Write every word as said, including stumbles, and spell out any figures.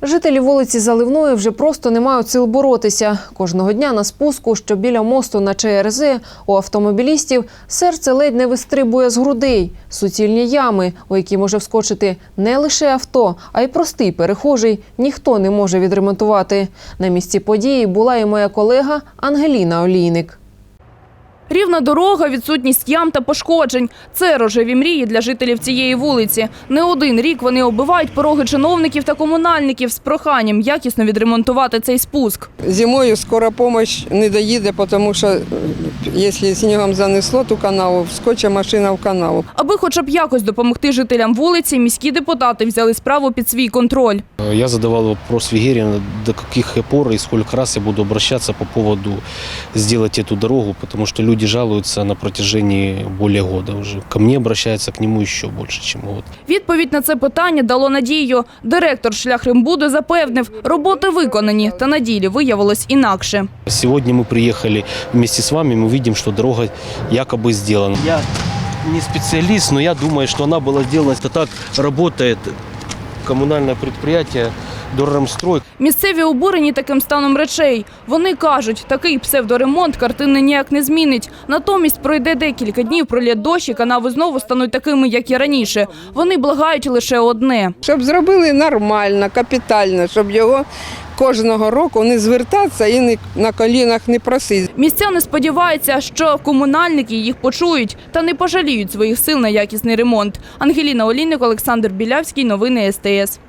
Жителі вулиці Заливної вже просто не мають сил боротися. Кожного дня на спуску, що біля мосту на ЧРЗ, у автомобілістів серце ледь не вистрибує з грудей. Суцільні ями, у які може вскочити не лише авто, а й простий перехожий, ніхто не може відремонтувати. На місці події була і моя колега Ангеліна Олійник. Рівна дорога, відсутність ям та пошкоджень – це рожеві мрії для жителів цієї вулиці. Не один рік вони оббивають пороги чиновників та комунальників з проханням якісно відремонтувати цей спуск. Зимою скора допомога не доїде, тому що, якщо снігом занесло ту канаву, вскочить машина в канаву. Аби хоча б якось допомогти жителям вулиці, міські депутати взяли справу під свій контроль. Я задавал вопрос Вигерину, до каких пор и сколько раз я буду обращаться по поводу сделать эту дорогу, потому что люди жалуются на протяжении более года уже. Ко мне обращаются, к нему еще больше, чем год. Відповідь на це питання дало надію. Директор «Шляхрембуду» запевнив, роботи виконані, та на ділі виявилось інакше. Сегодня мы приехали вместе с вами, мы видим, что дорога якобы сделана. Я не специалист, но я думаю, что она была сделана. Это так работает коммунальное предприятие «Дорремстрой». Місцеві обурені таким станом речей. Вони кажуть, такий псевдоремонт картини ніяк не змінить. Натомість пройде декілька днів, пролє дощ і канави знову стануть такими, як і раніше. Вони благають лише одне. Щоб зробили нормально, капітально, щоб його кожного року не звертатися і на колінах не просити. Містяни сподіваються, що комунальники їх почують та не пожаліють своїх сил на якісний ремонт. Ангеліна Олійник, Олександр Білявський. Новини ес те ес.